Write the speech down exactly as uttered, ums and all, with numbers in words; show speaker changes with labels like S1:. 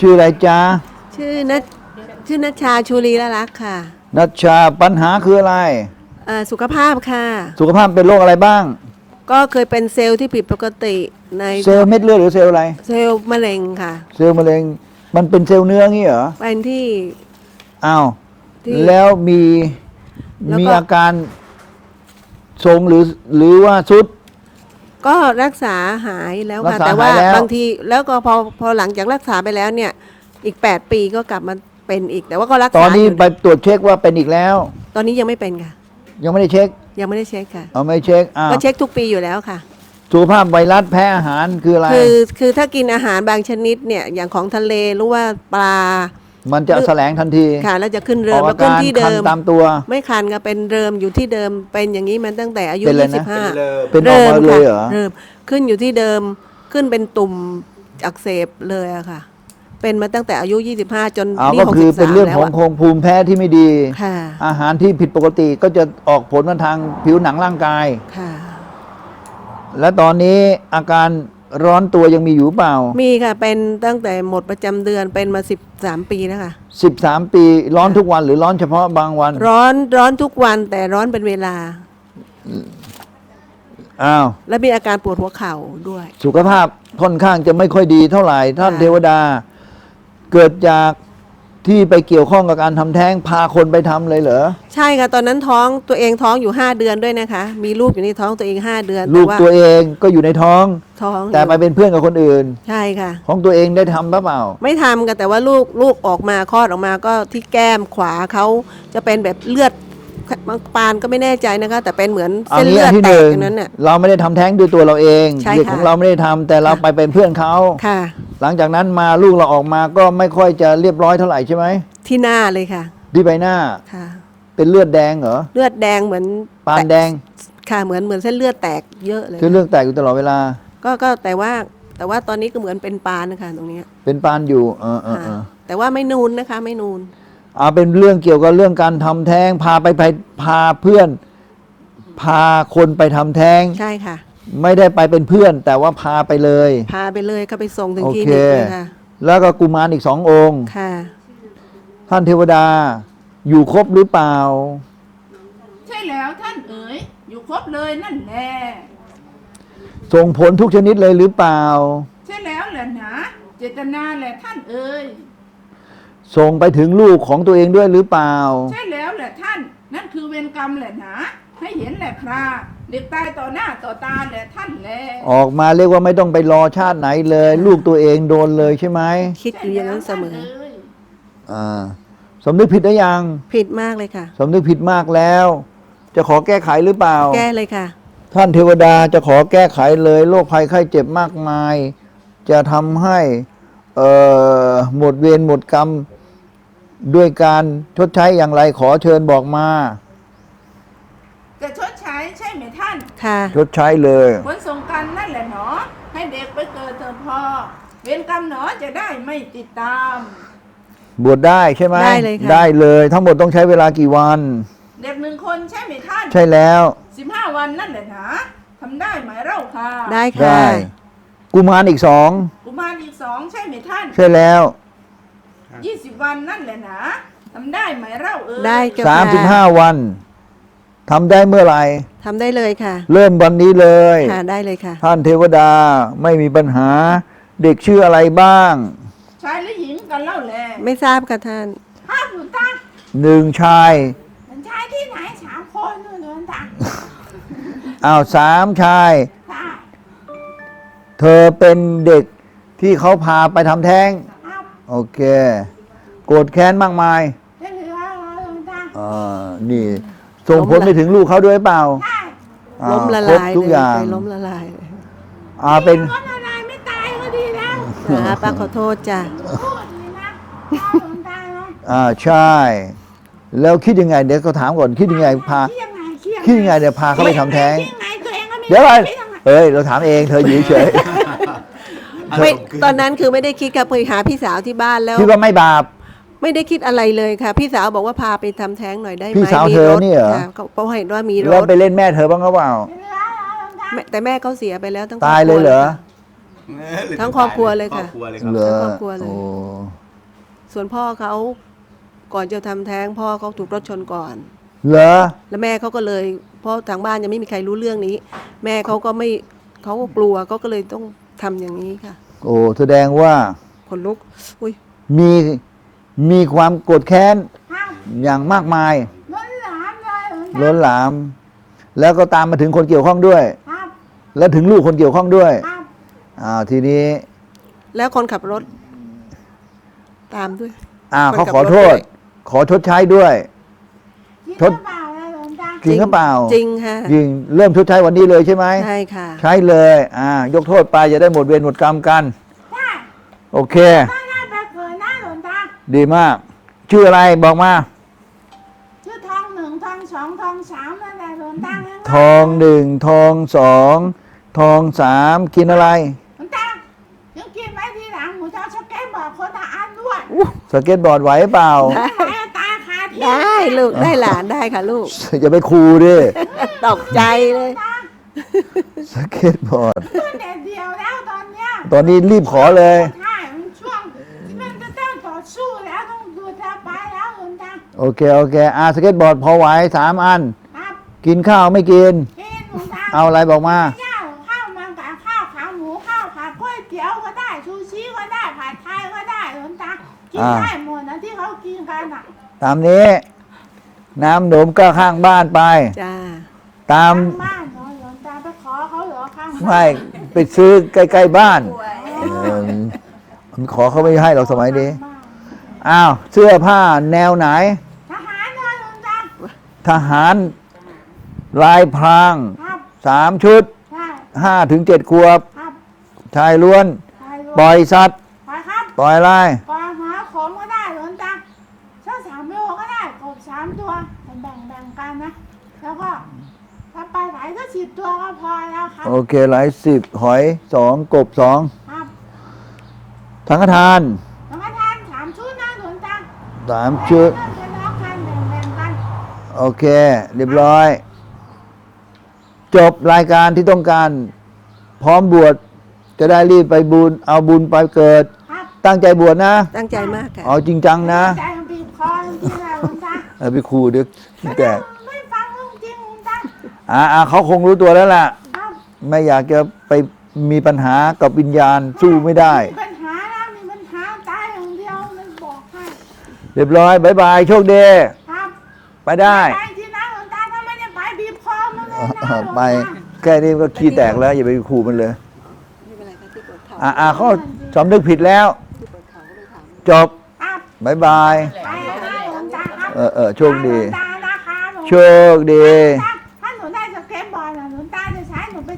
S1: ชื่ออะไรจ๊ะ
S2: ชื่อนัชชื่อนัชชาชูรีละลักษณ์ค่ะ
S1: นัชชาปัญหาคืออะไร
S2: เอ่อสุขภาพค่ะ
S1: สุขภาพเป็นโรคอะไรบ้าง
S2: ก็เคยเป็นเซลล์ที่ผิดปกติใน
S1: เซลล์เม็ดเลือดหรือเซลล์อะไร
S2: เซลล์มะเร็งค่ะ
S1: เซลล์มะเร็งมันเป็นเซลล์เนื้องี้เหรอ
S2: เป็นที่
S1: อ้าวแล้วมี
S2: แล้ว
S1: มีอาการทรงหรือหรือว่าสุด
S2: ก็รักษาหายแล้ว
S1: รัก
S2: ค่ะ
S1: ษา
S2: แต่ว่า
S1: หายแล้ว
S2: บางทีแล้วก็พอพอหลังจากรักษาไปแล้วเนี่ยอีกแปดปีก็กลับมาเป็นอีกแต่ว่าก็รักษา
S1: ตอนนี้
S2: ยู่
S1: ไปตรวจเช็คว่าเป็นอีกแล้ว
S2: ตอนนี้ยังไม่เป็นค่ะ
S1: ยังไม่ได้เช็ค
S2: ยังไม่ได้เช็คค่ะ
S1: เอาไม่เช็คอ้าว
S2: ก็เช็คทุกปีอยู่แล้วค่ะ
S1: สุขภาพไวรัสแพ้อาหารคืออะไร
S2: คือคือถ้ากินอาหารบางชนิดเนี่ยอย่างของทะเลหรือว่าปลา
S1: มันจะแสลงทันที
S2: ค่ะแล้วจะขึ้นเริ
S1: ออ
S2: ม
S1: ก
S2: แล้วขึ้นที่เดิม
S1: ตามตัว
S2: ไม่คันก็เป็นเริมอยู่ที่เดิมเป็นอย่างนี้มันตั้งแต่อายุ
S1: เป็นอะไรนะ
S2: ยี่สิบห้า
S1: เป็นออกมาเลยเหรอ
S2: เริ่มขึ้นอยู่ที่เดิมขึ้นเป็นตุ่มอักเสบเลยอะค่ะเป็นมาตั้งแต่อายุยี่สิบห้าจน
S1: เอา
S2: นี่
S1: ก็คือ
S2: หกสิบสาม
S1: เป็นเรื่อง
S2: แล้ว
S1: ของโครงภูมิแพ้ที่ไม่ดี
S2: ค่ะ
S1: อาหารที่ผิดปกติก็จะออกผลมาทางผิวหนังร่างกาย
S2: ค่ะ
S1: และตอนนี้อาการร้อนตัวยังมีอยู่เปล่า
S2: มีค่ะเป็นตั้งแต่หมดประจำเดือนเป็นมาสิบสามปีแล้วค่ะ
S1: สิบสามปีร้อนทุกวันหรือร้อนเฉพาะบางวัน
S2: ร้อนร้อนทุกวันแต่ร้อนเป็นเวลา
S1: อ้าว
S2: และมีอาการปวดหัวเข่าด้วย
S1: สุขภาพค่อนข้างจะไม่ค่อยดีเท่าไหร่ท่านเทวดาเกิดจากที่ไปเกี่ยวข้องกับการทำแท้งพาคนไปทำเลยเหรอ
S2: ใช่ค่ะตอนนั้นท้องตัวเองท้องอยู่ห้าเดือนด้วยนะคะมีลูกอยู่ในท้องตัวเองห้าเดือน
S1: ลูกตัวเองก็อยู่ในท้อง
S2: ท้อง
S1: แต่ไปเป็นเพื่อนกับคนอื่น
S2: ใช่ค่ะ
S1: ของตัวเองได้ทำหรือเปล่า
S2: ไม่ทำกันแต่ว่าลูกลูกออกมาคลอดออกมาก็ที่แก้มขวาเขาจะเป็นแบบเลือดบางปานก็ไม่แน่ใจนะคะแต่เป็นเหมือนเส้นเลือดแตกอย่างนั้นน่ะ
S1: เราไม่ได้ทำแท้งด้วยตัวเราเอง
S2: ใช่ค่ะ
S1: ของเราไม่ได้ทำแต่เราไปเป็นเพื่อนเขา
S2: ค่ะ
S1: หลังจากนั้นมาลูกเราออกมาก็ไม่ค่อยจะเรียบร้อยเท่าไหร่ใช่ไหม
S2: ที่หน้าเลยค่ะ
S1: ที่ใบหน้า
S2: ค่ะ
S1: เป็นเลือดแดงเหรอ
S2: เลือดแดงเหมือน
S1: ปานแดง
S2: ค่ะเหมือนเหมือนเส้นเลือดแตกเยอะเลย
S1: เส้นเลือดแตกอยู่ตลอดเวลา
S2: ก็ก็แต่ว่าแต่ว่าตอนนี้ก็เหมือนเป็นปานนะคะตรงนี้
S1: เป็นปานอยู่เออเออ
S2: แต่ว่าไม่นูนนะคะไม่นูน
S1: เอาเป็นเรื่องเกี่ยวกับเรื่องการทำแท้งพาไปไปพาเพื่อน พาคนไปทำแท้ง
S2: ใช่ค่ะ
S1: ไม่ได้ไปเป็นเพื่อน แต่ว่าพาไปเลย
S2: พาไปเลยก็ไปส่งถึง
S1: โอ
S2: ที่
S1: เค
S2: นี่เลยค่ะ
S1: แล้วก็กุมารอีกสององค์
S2: ค่ะ
S1: ท่านเทวดาอยู่ครบหรือเปล่า
S3: ใช่แล้วท่านเอ๋ยอยู่ครบเลยนั่นแหละ
S1: ส่งผลทุกชนิดเลยหรือเปล่า
S3: ใช่แล้วแหละนะเจตนาแหละท่านเอ๋ย
S1: ส่งไปถึงลูกของตัวเองด้วยหรือเปล่า
S3: ใช่แล้วแหละท่านนั่นคือเวรกรรมแหละนะให้เห็นแหละคราเด็กตายต่อหน้าต่อตาแหละท่านแหละ
S1: ออกมาเรียกว่าไม่ต้องไปรอชาติไหนเลย ลูกตัวเองโดนเลยใช่ไหม
S2: คิดอยู่อย่างนั้นเสมอ
S1: อ่าสำนึกผิดหรือยัง
S2: ผิดมากเลยค่ะ
S1: สำนึกผิดมากแล้ว จะขอแก้ไขหรือเปล่า
S2: แก้เลยค่ะ
S1: ท่านเทวดาจะขอแก้ไขเลยโรคภัยไข้เจ็บมากมายจะทำให้เอ่อหมดเวรหมดกรรมด้วยการชดใช้อย่างไรขอเชิญบอกมา
S3: จะชดใช้ใช่ไหมท่าน
S2: ค่ะ
S1: ชดใช้เลย
S3: ผลสงกันนั่นแหละหนอให้เด็กไปเกิดเถอะพ่อเวรกรรมหนอจะได้ไม่ติดตาม
S1: บวชได้ใช่ไหม
S2: ได้เลยค่ะ
S1: ได้เลยทั้งหมดต้องใช้เวลากี่วัน
S3: เด็กหนึ่งคนใช่ไหมท่าน
S1: ใช่แล้ว
S3: สิบห้าวันนั่นแหละนะทำได้ไหมเล่าค่ะ
S2: ได้ค่ะ
S1: กุมารอีกสอง
S3: กุมารอีกสองใช่ไหมท่าน
S1: ใช่แล้ว
S3: ยี่สิบวันนั่นแหละนะทำได้ไหมเล่าเออ
S2: ได้ค่ะ
S1: สามสิบห้าวันทำได้เมื่อไหร่
S2: ทำได้เลยค่ะ
S1: เริ่มวันนี้เลย
S2: ค่ะได้เลยค่ะ
S1: ท่านเทวดาไม่มีปัญหาเด็กชื่ออะไรบ้าง
S3: ชายหรือหญิงกันเล่าแหละ
S2: ไม่ทราบค่ะท่าน
S3: ห้าหมื่นตา
S1: หนึ่งชาย
S3: ชายที่ไหนสามคนนู่นนู่นตา
S1: อ้าวสามชายเธอเป็นเด็กที่เขาพาไปทำแท้งโอเคโกรธแค้นมากมายอ่านี่ส่งผลไปถึงลูกเขาด้วยเปล่า
S2: ล้มละลาย
S1: ทุกอย่าง
S2: ล้มละลาย
S1: อ่าเป็น
S3: ล้มละลายไม่ตายก็ดีแล้ว
S2: นะป้าขอโทษจ้ะ
S1: อ่าใช่แล้วคิดยังไงเดี๋ยวเขาถามก่อนคิดยังไงพาคิดยังไงเดี๋ยวพาเขาไปทำแท้งเดี๋ยวไปเอ้ยเราถามเองเธออยู่เฉย
S2: ไม่ตอนนั้นคือไม่ได้คิดกับไปหาพี่สาวที่บ้านแล้ว
S1: คิดว่าไม่บาป
S2: ไม่ได้คิดอะไรเลยค่ะพี่สาวบอกว่าพาไปทำแท้งหน่อยได้ไหม
S1: พี่สาวเธอเนี่ยเหรอ
S2: เพราะเห็นว่ามีรถ
S1: แล้วไปเล่นแม่เธอบ้างหรือเปล่า
S2: แต่แม่เขาเสียไปแล้วตั้ง
S1: ตายเลยเหรอ
S2: ทั้งครอบครัวเลยค่ะ
S4: ครอบครัวเลยครับ
S1: เหรอ
S2: ครอบครัวเลย
S1: โอ้
S2: ส่วนพ่อเขาก่อนจะทำแท้งพ่อเขาถูกรถชนก่อน
S1: เหรอ
S2: แล้วแม่เขาก็เลยเพราะทางบ้านยังไม่มีใครรู้เรื่องนี้ แม่เขาก็ไม่เขาก็กลัวเขาก็เลยต้องทำอย่างนี้ค่ะ
S1: โอ้แสดงว่า
S2: ขนลุกอุ้ย
S1: มีมีความโกรธแค้น
S3: ครับ
S1: อย่างมากมาย
S3: ล้นหลามเลยหลวงตา
S1: ล้นหลาม แล้วก็ตามมาถึงคนเกี่ยวข้องด้วย
S3: ครับ
S1: แล้วถึงลูกคนเกี่ยวข้องด้วย
S3: ครับ
S1: อ่าทีนี้
S2: แล้วคนขับรถ ตามด้วย
S1: อ่า
S2: คน
S1: เขา
S2: ขับ
S1: ขอ
S2: รถ
S1: โทษ
S2: ด้วย
S1: ขอชดใช้ด้วย
S3: คิด
S1: ทด
S3: หรือเปล่าเลยหลวงตา
S1: จริงหรือเปล่า
S2: จริงค่ะ
S1: จริงเริ่มชดใช้วันนี้เลยใช่ไหม
S2: ใช่ค่ะ
S1: ใช้เลย อ่ายกโทษไปจะได้หมดเวรหมดกรรมกัน
S3: ใช่
S1: โอเค
S3: ถ้าได้ไปเกิดนะหลวงตา
S1: ดีมาก ชื่ออะไรบอกมา
S3: ชื่อทองหนึ่งทองสองทองสามนั่นแหละหลวงตาง่ายๆ
S1: ทองหนึ่งทองสองทองสามกินอะไร
S3: หลวงตายังกินไว้ทีหลังหมูจะเอาสเก็ตบอกคนละอันด้วย
S1: สเก็ตบอร์ดไหวเปล่า
S2: ได้
S3: ไหนตาคาที่
S2: ได้ลูกได้หลานได้ค่ะลูก
S1: อย่าไปคูดิ
S2: ตกใจเลย
S3: ตา
S1: สเก็ตบอร์ด
S3: ขึ้นเด็ดเดียวแล้วตอนเนี้ย
S1: ตอนนี้รีบขอเลย
S3: ใช่มันช่วงที่มันจะต้องต่อสู้แล้วต้องดูจะไปแล้วหลวงตา
S1: โอเค โอเคอาสเก็ตบอร์ดพอไหวสามอัน
S3: ครับ
S1: กินข้าวไม่กิน
S3: กินหลวงตา
S1: เอาอะไรบอกมา
S3: ข้าวข้าวมันกับข้าวขาหมูข้าวผัดก๋วยเตี๋ยวก็ได้ซูชิก็ได้ผัดไทยก็ได้หลวงตากิน
S1: อ่า
S3: ได้หมดนะที่เขากินกันอ่ะ
S1: ตามนี้ น้ำหนมก็ข้างบ้านไป
S2: จ้า
S1: ตาม
S3: ข้างบ้านเหรอหลวงตาไปขอเขาเหรอข้างบ้าน
S1: ไม่ไปซื้อใกล้ ๆ บ้านเออมันขอเขาไม่ให้เราสมัยนี้ อ้าว เสื้อผ้าแนวไหน
S3: ทหารเลยหลวงตา
S1: ทหารลายพราง
S3: ครับ
S1: สามชุด
S3: ใช่
S1: ห้าถึงเจ็ดขวบ
S3: ครับ
S1: ชายล้วน
S3: ไปเลย
S1: ปล่อยสัตว์
S3: ไปครับ
S1: ปล่อยอะไร
S3: ปล่อยหาขมก็ได้หลวงตาสักสามโลก็ได้กบสามตัวแบ่งแบ่งๆกันนะ แล้วก็ถ้าไปไหนก็สิบตัวก็พอแล้วครับ
S1: โอเค หลายสิบหอยสองกบสอง
S3: ครับ
S1: สังฆทาน
S3: แล้วก็ทานสามชุดนะหลวงตา
S1: สามชุด
S3: เริ่มจะล็อกกันแบ่งๆกัน
S1: โอเค เรียบร้อย จบรายการที่ต้องการ พร้อมบวชจะได้รีบไปบุญเอาบุญไปเกิด
S3: ครับ
S1: ตั้งใจบวชนะ
S2: ตั้งใจมากค่ะ
S1: เอาจริงจังนะ
S3: ใจมันบีบคอจริงๆนะหลวงตา
S1: เอาไปครูเดี๋ยวขี้แตก
S3: ไม่ฟังเรื่องจริงหลวงตา
S1: อ่าอ่าเขาคงรู้ตัวแล้วล่ะ
S3: ครับ
S1: ไม่อยากจะไปมีปัญหากับวิญญาณสู้ไม่ได้
S3: มีปัญหาแล้วมีปัญหาตายอย่างเดียวมันบอกให้
S1: เรียบร้อยบายบาย โชคดี
S3: ครับ
S1: ไปได้
S3: ไปที่นั่นหลวงตาถ้าไม่ได้ไปบีบคอมันเลยนะหลวงตา
S1: ไปแค่นี้ก็ขี้แตกแล้ว อย่าไปขู่มันเลย
S2: ไม่เป็นไรค่ะที่ปวดเข่า
S1: อ่าอ่าเขาสำนึกผิดแล้ว
S2: ที่ปวดเข่าก็เลยถาม
S1: จบ
S3: ครับ
S1: บายบาย
S3: ไปนะหลวงตาครับ
S1: เออเออโชคดี
S3: หลวงตานะคะหลวงตา
S1: โชคดี
S3: ครับ